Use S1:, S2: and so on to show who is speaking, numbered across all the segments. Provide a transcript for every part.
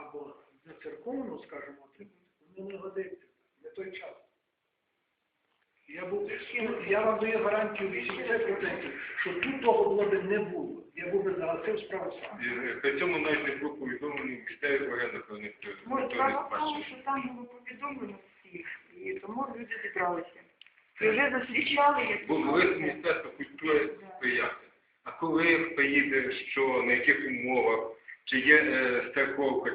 S1: або за церковну, скажімо, воно не годиться. Не той час. Я вам даю гарантію 80%, що тут того було б не було. Я був би загасив справу сам.
S2: При цьому навіть не було повідомлені місцевих органів, коли ніхто не
S3: Тому що там було повідомлено всіх, і тому люди зібралися. І вже зустрічали,
S2: Бо лист Міністерства культури сприяти. А коли поїде, що, на яких умовах, чи є страховка,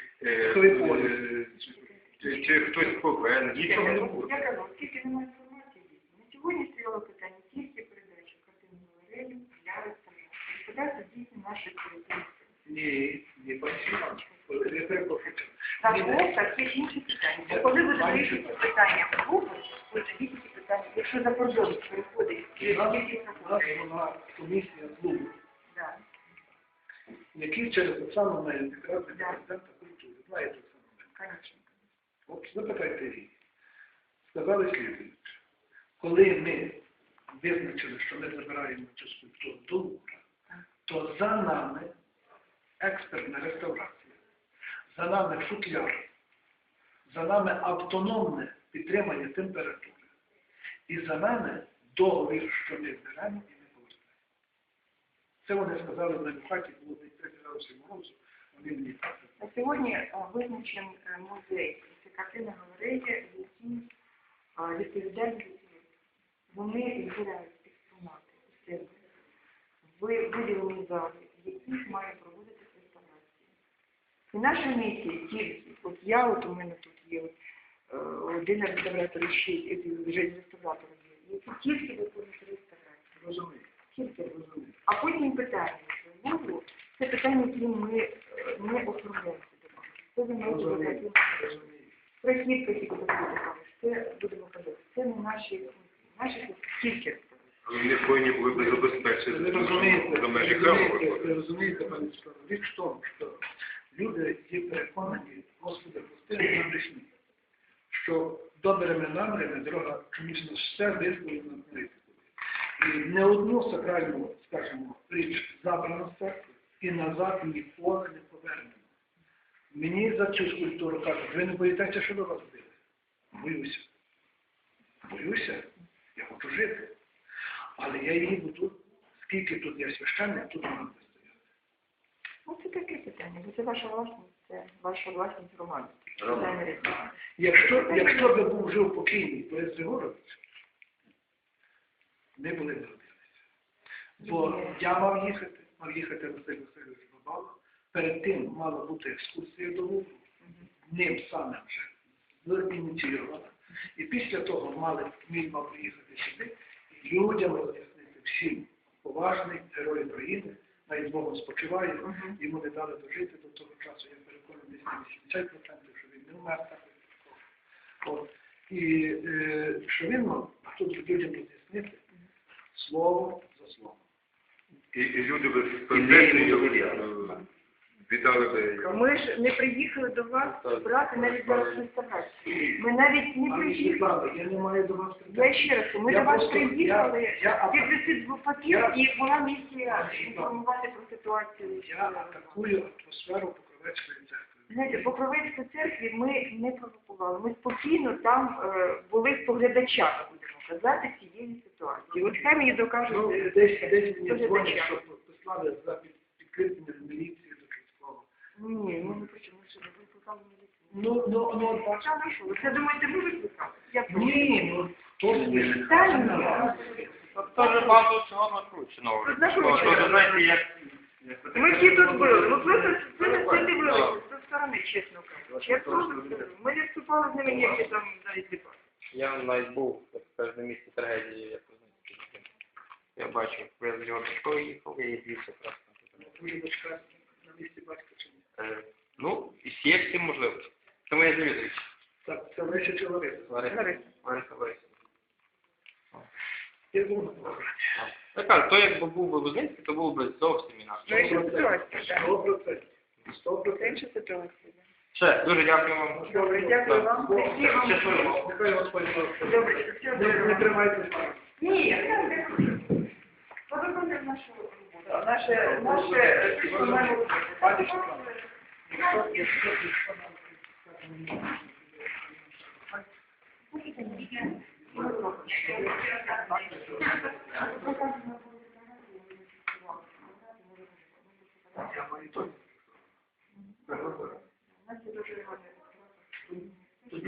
S2: чи хтось поверне, нічого не буде.
S3: Я кажу, оскільки немає інформації, на сьогодні стояло питання тільки передачі картинного галерею для реставрації. Реставрація дійсно наших територій.
S1: Ні, не пасіва. Я перепрошую.
S3: Так, є інші питання. Коли ви вирішуєте питання в групу, ви тоді ці питання, якщо за кордон переходить,
S1: У нас була комісія клубу, який через Оксану має якраз президента культури. Знаєте Оксану?
S3: Звісно.
S1: От запитайте її. Сказали слідуючи. Коли ми визначили, що ми забираємо цю скульптуру до Лувра, то за нами експертна реставрація, за нами футляр, за нами автономне підтримання температури. І за нами договір, що ми збираємо і не повертаємо. Це вони сказали в мене в хаті, було 3 градуси морозу, вони мені так.
S3: На сьогодні визначений музей, це картина галерея, які відповідають, вони збирають експонати у себе в виділені зали, в яких має проводитися реставрація. І наша місія тільки, у мене тут є один реставратор ще реставратор є, які тільки виконують реставрацію.
S1: Розумію.
S3: Тільки розумію. А потім питання, що було, це питання, які ми не оформляємося до вас. Це займається прохід, які будуть кажуть. Це будемо казати. Це не наші функції. Наші тільки реставрації.
S2: Вони повинні були б забезпечити до межі храму.
S1: Ви розумієте, пані Світлана, річ в тому, що люди є переконані, Господи, прости, на дешні, що добрими намірами дорога чомусь на все висловлена на політику. І не одну сакральну, скажімо, річ забрано з церкви і назад ніколи не повернено. Мені за цю скульптуру кажуть, ви не боїтеся, що до вас буде? Боюся. Боюся. Я хочу жити. Але я її буду, скільки тут є священник, тут вона буде стояти.
S3: Ось це таке питання, бо це ваша власність, це ваша власність громади.
S1: Якщо би був жив покійний Борис Григорович, ми були б родилися. Бо я мав їхати Василь Васильович Бабало, перед тим мала бути екскурсія до Лувру, ним самим вже ініційована. І після того він мав приїхати сюди, і людям роз'яснити всім поважний герой України, навіть Богом спочиває, йому не дали дожити до того часу, я переконаний, десь 80%, що він не вмер так. І що він мав тут людям роз'яснити слово за словом.
S2: І люди без специфікою віддали би...
S3: Ми ж не приїхали до вас брати навіть зараз реставрацію. Ми навіть не приїхали.
S1: Я не маю до вас
S3: Я ще раз, ми до вас приїхали, підписати папір, і була місія інформувати про ситуацію.
S1: Я атакую атмосферу Покровецької церкви.
S3: Знаєте, Покровецькій церкві ми не провокували. Ми спокійно там були в поглядачах, будемо казати, цієї ситуації. От хай мені докажуть
S1: Десь мені дзвонять, що послали за підкріплення міліції до Київського.
S3: Ні, ми не почали, що ви викликали міліцію.
S1: Ну,
S3: бачите. Це, думаєте, ви викликали?
S1: Ні, то не
S3: питання.
S4: Тоже багато всього накручено.
S3: Знаєте,
S4: як...
S3: Ми всі тут були. Ми просто це не дивилися зі сторони, чесно кажучи. Я просто ми не вступали з ними ніякі там навіть не бачили.
S4: Я навіть був на місці трагедії, як ви знаєте. Я бачив, я з його дочкою їхав, я їздився просто.
S1: Твоя дочка на місці батька чи ні?
S4: Ну, і є всі можливості. Це моя Дмитрич.
S1: Так, це Леся чи Лариса?
S4: Лариса.
S1: Я був на похороні.
S4: Так, то якби був би Лузинський, то був би зовсім інакше.
S1: 100%. 100%.
S3: Інша ситуація.
S4: Все, дуже дякую вам.
S3: Добре, дякую вам.
S4: Щасливо.
S1: Нехай Господь вас.
S3: Добре, все добре.
S1: Не тримайтеся.
S3: Ні, я не хочу. Подобається нашу роботу. Наше,
S1: якщо нам, скажімо, я маю точно.
S3: У нас є дуже гарний